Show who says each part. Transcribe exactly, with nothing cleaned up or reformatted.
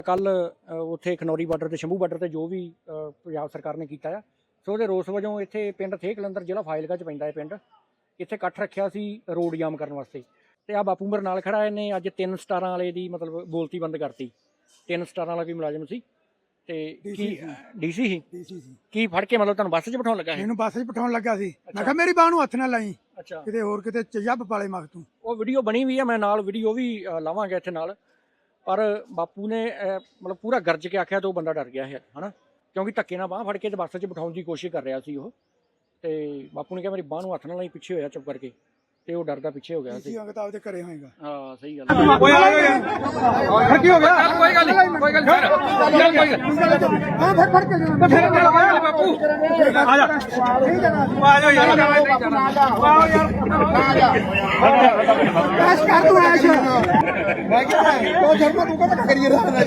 Speaker 1: ਕੱਲ ਉੱਥੇ ਖਨੌਰੀ ਬਾਰਡਰ ਤੇ ਸ਼ੰਭੂ ਬਾਰਡਰ ਤੇ ਜੋ ਵੀ ਪੰਜਾਬ ਸਰਕਾਰ ਨੇ ਕੀਤਾ ਆ ਸੋ ਉਹਦੇ ਰੋਸ ਵਜੋਂ ਇੱਥੇ ਪਿੰਡ ਥੇ ਕਲੰਦਰ ਜ਼ਿਲ੍ਹਾ ਫਾਜ਼ਿਲਕਾ ਚ ਪੈਂਦਾ ਹੈ ਪਿੰਡ ਇੱਥੇ ਇਕੱਠ ਰੱਖਿਆ ਸੀ ਰੋਡ ਜਾਮ ਕਰਨ ਵਾਸਤੇ ਤੇ ਆ ਬਾਪੂ ਮੇਰੇ ਨਾਲ ਖੜਾ ਇਹਨੇ ਅੱਜ ਤਿੰਨ ਸਟਾਰਾਂ ਵਾਲੇ ਦੀ ਮਤਲਬ ਬੋਲਤੀ ਬੰਦ ਕਰਤੀ ਤਿੰਨ ਸਟਾਰਾਂ ਵਾਲਾ ਕੋਈ ਮੁਲਾਜ਼ਮ ਸੀ ਤੇ ਕੀ ਡੀਸੀ ਸੀ
Speaker 2: ਡੀਸੀ ਸੀ
Speaker 1: ਕੀ ਫੜ ਕੇ ਮਤਲਬ ਤੁਹਾਨੂੰ ਬੱਸ 'ਚ ਬਿਠਾਉਣ ਲੱਗਾ ਸੀ
Speaker 2: ਇਹਨੂੰ ਬੱਸ 'ਚ ਬਿਠਾਉਣ ਲੱਗਾ ਸੀ ਮੈਂ ਕਿਹਾ ਮੇਰੀ ਬਾਹ ਨੂੰ ਹੱਥ ਨਾ ਲਾਈ
Speaker 1: ਅੱਛਾ
Speaker 2: ਕਿਤੇ ਹੋਰ ਕਿਤੇ ਚੱਬ ਪਾਲੇ ਮਗ ਤੂੰ
Speaker 1: ਉਹ ਵੀਡੀਓ ਬਣੀ ਵੀ ਆ ਮੈਂ ਨਾਲ ਵੀਡੀਓ ਵੀ ਲਾਵਾਂਗਾ ਇੱਥੇ ਨਾਲ ਪਰ ਬਾਪੂ ਨੇ ਮਤਲਬ ਪੂਰਾ ਗਰਜ ਕੇ ਆਖਿਆ ਤੇ ਉਹ ਬੰਦਾ ਡਰ ਗਿਆ ਹੈ ਹਨਾ ਕਿਉਂਕਿ ਧੱਕੇ ਨਾਲ ਬਾਹ ਫੜ ਕੇ ਤੇ ਬੱਸ 'ਚ ਬਿਠਾਉਣ ਦੀ ਕੋਸ਼ਿਸ਼ ਕਰ ਰਿਹਾ ਸੀ ਉਹ ਤੇ ਬਾਪੂ ਨੇ ਕਿਹਾ ਮੇਰੀ ਬਾਹ ਨੂੰ ਹੱਥ ਨਾਲ ਲਾਈ ਪਿੱਛੇ ਹੋਇਆ ਚੁੱਪ ਕਰਕੇ ਤੇ ਉਹ ਡਰਦਾ ਪਿੱਛੇ ਹੋ ਗਿਆ ਸੀ
Speaker 2: ਅੰਗਤ ਆਪਦੇ ਘਰੇ ਹੋਏਗਾ
Speaker 1: ਹਾਂ ਸਹੀ ਗੱਲ
Speaker 2: ਓਏ ਆ ਗਿਆ ਕੀ ਹੋ ਗਿਆ
Speaker 3: ਕੋਈ ਗੱਲ ਨਹੀਂ ਕੋਈ ਗੱਲ ਨਹੀਂ
Speaker 2: ਹਾਂ ਫੜ ਫੜ ਕੇ
Speaker 3: ਬਾਪੂ
Speaker 2: ਆ ਜਾ ਠੀਕ ਹੈ ਨਾ
Speaker 3: ਆ ਜਾ ਯਾਰ
Speaker 2: ਆਓ ਯਾਰ ਐਸ਼ ਕਰ ਤੂੰ ਐਸ਼ ਮੈਂ ਕਿਹਾ ਉਹ ਧਰਮ ਤੂੰ ਕਹਿੰਦਾ ਕਰੀਏ